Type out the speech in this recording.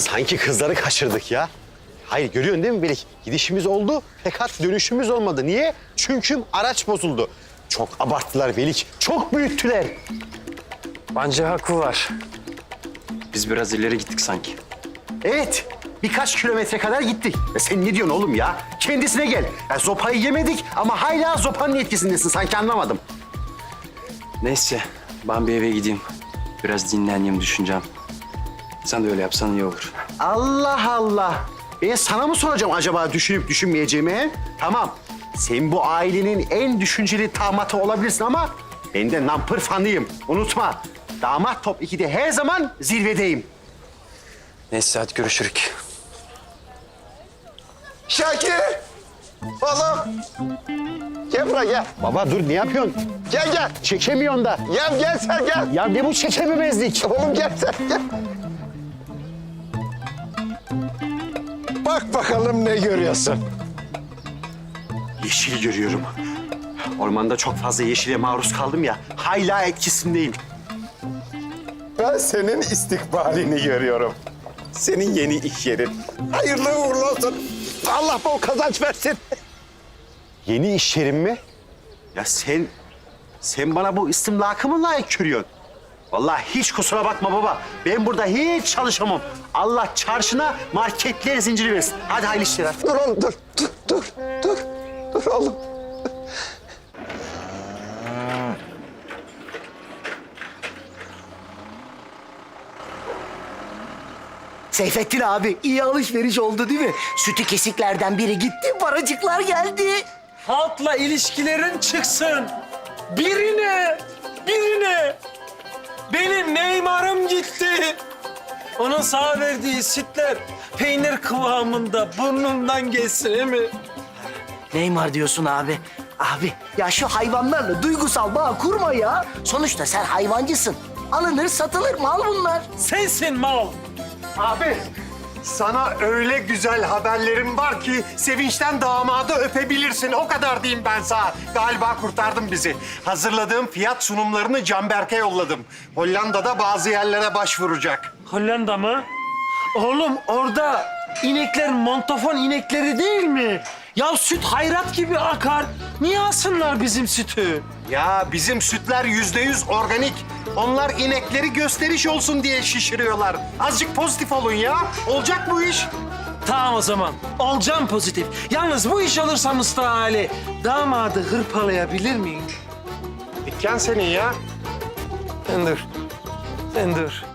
Sanki kızları kaçırdık ya. Hayır görüyorsun değil mi Melik? Gidişimiz oldu fakat dönüşümüz olmadı. Niye? Çünkü araç bozuldu. Çok abarttılar Melik. Çok büyüttüler. Bence haklı var. Biz biraz ileri gittik sanki. Evet. Birkaç kilometre kadar gittik. Sen ne diyorsun oğlum ya? Kendisine gel. Ya, zopayı yemedik ama hala zopanın etkisindesin. Sanki anlamadım. Neyse, ben bir eve gideyim. Biraz dinleneyim, düşüneceğim. Sen de öyle yapsan iyi olur. Allah Allah. Ben sana mı soracağım acaba düşünüp düşünmeyeceğimi? He? Tamam. Sen bu ailenin en düşünceli damatı olabilirsin ama ben de nampır fanıyım. Unutma. Damat top 2'de her zaman zirvedeyim. Neyse, hadi görüşürük. Şakir! Oğlum! Gel buraya gel. Baba dur ne yapıyorsun? Gel gel. Çekemiyorsun da. Gel sen gel. Ya ne bu çekememezlik? Oğlum gel sen gel. Bak bakalım ne görüyorsun. Yeşil görüyorum. Ormanda çok fazla yeşile maruz kaldım ya. Hala etkisindeyim. Ben senin istikbalini görüyorum. Senin yeni iş yerin. Hayırlı uğurlu olsun. Allah bol kazanç versin. Yeni iş yerim mi? Ya sen bana bu istimlakı mı layık görüyorsun? Vallahi hiç kusura bakma baba. Ben burada hiç çalışamam. Allah çarşına marketler zinciri versin. Hadi hayırlı işler. Dur oğlum dur. Dur oğlum. Seyfettin abi iyi alışveriş oldu değil mi? Sütü kesiklerden biri gitti, paracıklar geldi. Halkla ilişkilerin çıksın. Birine. Benim Neymar'ım gitti. Onun sağ verdiği sütler peynir kıvamında burnundan geçsin mi? Neymar diyorsun abi. Abi ya şu hayvanlarla duygusal bağ kurma ya. Sonuçta sen hayvancısın. Alınır satılır mal bunlar. Sensin mal. Abi, sana öyle güzel haberlerim var ki sevinçten damadı öpebilirsin. O kadar diyeyim ben sana. Galiba kurtardın bizi. Hazırladığım fiyat sunumlarını Canberk'e yolladım. Hollanda'da bazı yerlere başvuracak. Hollanda mı? Oğlum orada inekler montafon inekleri değil mi? Ya süt hayrat gibi akar. Niye alsınlar bizim sütü? Ya bizim sütler %100 organik. Onlar inekleri gösteriş olsun diye şişiriyorlar. Azıcık pozitif olun ya. Olacak bu iş. Tamam o zaman. Olacağım pozitif. Yalnız bu iş olursa Mustafa Ali, damadı hırpalayabilir miyim? Dükkan senin ya. Sen dur.